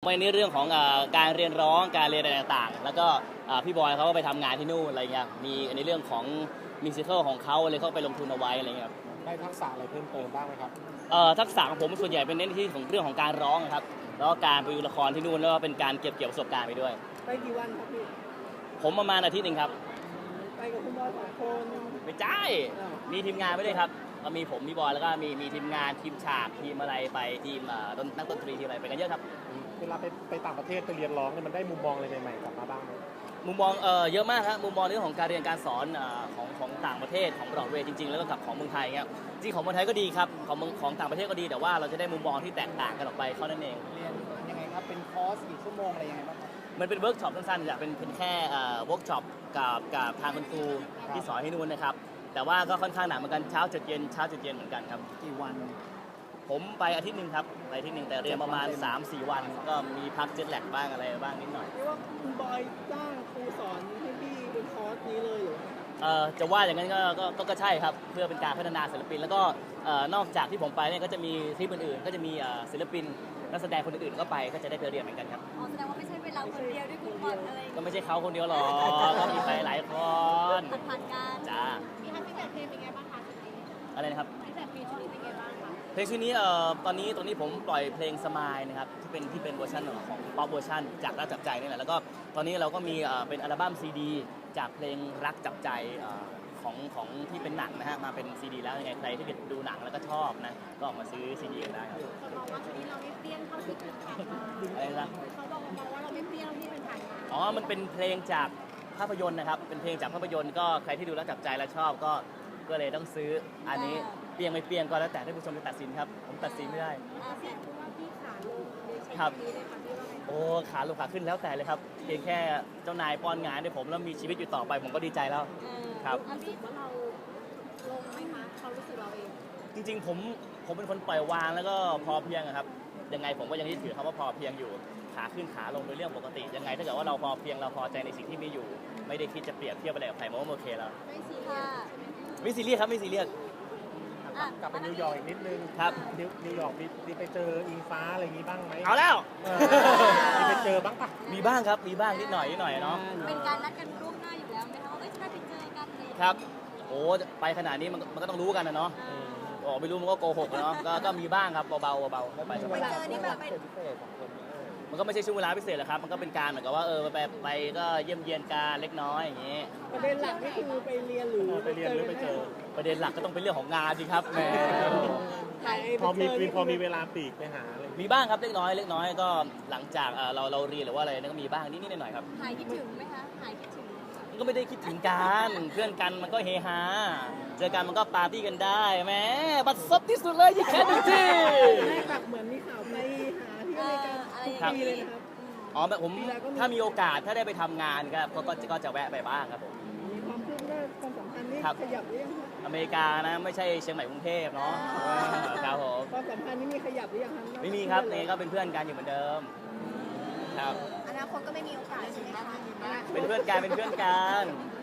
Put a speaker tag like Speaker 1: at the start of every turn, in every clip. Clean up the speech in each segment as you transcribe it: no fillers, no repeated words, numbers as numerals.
Speaker 1: ว้ในเรื่องของการเรียนร้องการเรียนอะไรต่างๆแล้วก็พี่บอยเขาก็ไปทำงานที่นู่นอะไรเงี้ยมีในเรื่องของมิวสิควลของเขาเลยเขาไปลงทุนเอาไว้อะไรเงี้ย
Speaker 2: ได้ทักษะอะไรเพิ่มเติมบ้างไหมครับ
Speaker 1: ทักษะของผมส่วนใหญ่เป็นเน้นที่ของเรื่องของการร้องครับแล้วก็การไปดูละครที่นู่นแล้วก็เป็นการเก็บเกี่ยวประสบการณ์ไปด้วย
Speaker 3: ไปกี่วันครับพี่
Speaker 1: ผมประมาณอาทิตย์หนึ่งครับ
Speaker 3: ไปกับคุณบอย2 คน
Speaker 1: ไม่ใช่มีทีมงานไม่ได้ครับก็มีผมมีบอยแล้วก็มีทีมงานทีมฉากทีมอะไรไปทีมนักดนตรีทีมอะไรไปกันเยอะครับ
Speaker 2: เวลาไปต่างประเทศไปเรียนร้องเนี่ยมันได้มุมมองอะไรใหม่ๆกลับมาบ้างไหม
Speaker 1: มุมมองเยอะมากครับมุมมองเรื่องของการเรียนการสอนของต่างประเทศของบรอดเวย์จริงๆแล้วก็กับของเมืองไทยเงี้ยจริงของเมืองไทยก็ดีครับของต่างประเทศก็ดีแต่ว่าเราจะได้มุมมองที่แตกต่างกันออกไปเท่านั้นเอง
Speaker 3: เรียนยังไงครับเป็นคอร์สกี่ชั่วโมงอะไรยังไงบ้าง
Speaker 1: มันเป็นเวิร์กช็อปสั้นๆจะเป็นแค่เวิร์กช็อปกับทางคุณครูที่สอนให้นู่นนะครับแต่ว่าก็ค่อนข้างหนักเหมือนกันเช้าจุดเย็นเหมือนกันครับ
Speaker 3: กี่วัน
Speaker 1: ผมไปอาทิตย์หนึ่งครับไปอาทิตย์หนึ่งแต่เรียนประมาณ 3-4 วันก็มีพักเจ็ตแลกบ้างอะไรบ้างนิดหน่อย
Speaker 3: เรียกว่าคุณบอยจ้างครูสอนให้พี่เป็นคอร์สนี้เลยหรือ
Speaker 1: จะว่าอย่างนั้นก็ใช่ครับเพื่อเป็นการพัฒนาศิลปินแล้วก็นอกจากที่ผมไปเนี่ยก็จะมีทริปอื่นๆก็จะมีศิลปินนักแสดงคนอื่นๆก็ไปก็จะได้ไปเรียนเหมือนกันครับ
Speaker 4: แสดงว่าไม่ใช่เป็นเราคนเดียวด้วยคุณบอลอะไร
Speaker 1: ก็ไม่ใช่เขาคนเดียวหรอกก็มีไปหลายคน
Speaker 4: ผ่านการ
Speaker 1: จ้า
Speaker 4: มีทัศน์พิเศษเพลงเป็นไงบ้างคะชุดนี้
Speaker 1: อะไรนะครับ
Speaker 4: พิเศษเพลงชุดนี้เป็นไงบ้างคะ
Speaker 1: เพลงชุดนี้ตอนนี้ผมปล่อยเพลงสมายนะครับที่เป็นเวอร์ชันของป๊อปเวอร์ชันจากรักจับใจนี่แหละแล้วก็ตอนนี้เราก็มีเป็นอัลบั้มซีดีจากเพลงรักจับใจของที่เป็นหนังนะฮะมาเป็นซีดีแล้วยังไงใครที่ดูหนังแล้วก็ชอบนะก็ออกมาซื้อซีดีกันได้ครับ
Speaker 4: เขาบอกว่าชุดนี้เราไม่เปรี้ยงเท่าที่ผ่านมา
Speaker 1: อะไรนะ
Speaker 4: เขาบอกว่าเราไม่เปรี้ยงที่เป็นผ่านมา
Speaker 1: อ๋อมันเป็นเพลงจากภาพยนตร์นะครับเป็นเพลงจากภาพยนตร์ก็ใครที่ดูแล้วจับใจและชอบก็เลยต้องซื้ออันนี้เปรี้ยงไม่เปรี้ยงก็แล้วแต่ท่านผู้ชมจะตัดสินครับผมตัดสินไม่ได้
Speaker 4: เสียงพูดว่าพี่ขาลง
Speaker 1: ครับโอ้ขาลงขาขึ้นแล้วแต่เลยครับเพียงแค่เจ้านายป้อนงานให้ผมแล้วมีชีวิตอยู่ต่อไปผมก็ดีใจแล้วครับ
Speaker 4: รู้สึกว่าเราลงไหมคะเขารู้สึกเราเอง
Speaker 1: จริงๆผมเป็นคนปล่อยวางแล้วก็พอเพียงครับยังไงผมก็ยังยึดถือคำว่าพอเพียงอยู่ขาขึ้นขาลงเป็นเรื่องปกติยังไงถ้าเกิดว่าเราพอเพียงเราพอใจในสิ่งที่มีอยู่ไม่ได้คิดจะเปรียบเทียบอะไรกับใครมันก็โอเคแล้วไม่ซีเรียสครับไม่ซีเรียส
Speaker 2: กลับไปนิวยอร์กอีกนิดนึง
Speaker 1: ครับ
Speaker 2: นิวยอร์กมีไปเจออิงฟ้าอะไรอย่างงี้บ้างไหม
Speaker 1: เอาแล้ว
Speaker 2: มีไปเจอบ้างปะ
Speaker 1: มีบ้างครับมีบ้างนิดหน่อยเนาะ
Speaker 4: เป็นการนัดกันล่วงหน้าอยู่แล้วไหมคะว่าจะได้ไปเจอกันเลย
Speaker 1: ครับโอ้ไปขนาดนี้มันก็ต้องรู้กันนะเนาะไม่รู้มันก็โกหกเนาะก็มีบ้างครับเบาๆไป
Speaker 4: เจอนี่แบบ
Speaker 1: มันก็ไม่ใช่ช่วงเวลาพิเศษหรอกครับมันก็เป็นการเหมือนกับว่าไปก็เยี่ยมเยียนการเล็กน้อยอย่างนี้
Speaker 3: ประเด็นหลักนี่คือไปเรียนหรือ
Speaker 2: ไปเจอ
Speaker 1: ประเด็นหลักก็ต้องเป็นเรื่องของงานสิครับแหม
Speaker 2: พอมีเวลาปีกไปหาอะไร
Speaker 1: มีบ้างครับเล็กน้อยก็หลังจากเราเรียนหรือว่าอะไรก็มีบ้างนิดหน่อยครับ
Speaker 4: หายคิดถึงไหมคะหายคิดถึง
Speaker 1: ก็ไม่ได้คิดถึงกันเพื่อนกันมันก็เฮฮาเจอกันมันก็ปาร์ตี้กันได้แหมบัดซบที่สุดเลยยี่แค่หนึ่งที
Speaker 3: แบบเหมือนมีข่าวไปหาที่อเมริกาทุกปีเลยนะครับ
Speaker 1: อ๋อผมถ้ามีโอกาสถ้าได้ไปทำงานก็จะแวะไปบ้างครับผม
Speaker 3: มีความคืบหน้าความสัมพันธ์นี่ขยับหรือยัง
Speaker 1: อเมริกานะไม่ใช่เชียงใหม่กรุงเทพเนาะครับผม
Speaker 3: ความสัมพันธ์นี่มีขยับหรือยังครับ
Speaker 1: ไม่มีครับนี่ก็เป็นเพื่อนกันอยู่เหมือนเดิมครับ
Speaker 4: อนาคตก็ไม่มีโอกาสใช่ไหมคะ
Speaker 1: เป็นเพื่อนกัน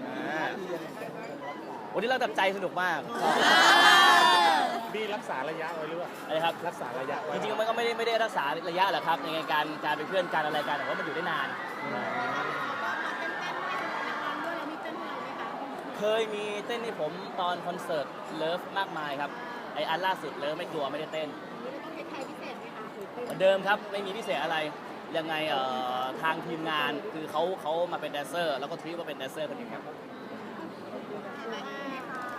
Speaker 1: วันนี้เราตัดใจสนุกมาก
Speaker 2: บี้รักษาระยะไว้หรือเปล่า
Speaker 1: อะไรครับ
Speaker 2: รักษาระยะไว้
Speaker 1: จริงๆมันก็ไม่ได้รักษาระยะหรอกครับในการเป็นเพื่อนกันอะไรกันแต่ว่ามันอยู่ได้นานเคยมีเต้นให้ผมตอนคอนเสิร์ตเลิฟมากมายครับไออันล่าสุดเลิฟไม่กลัวไม่ได้เต้นเหมือนเดิมครับไม่มีพิเศษอะไรยังไงทางทีมงานคือเขามาเป็นแดนเซอร์แล้วก็ทรีตว่าเป็นแดนเซอร์คนหนึ่งครับ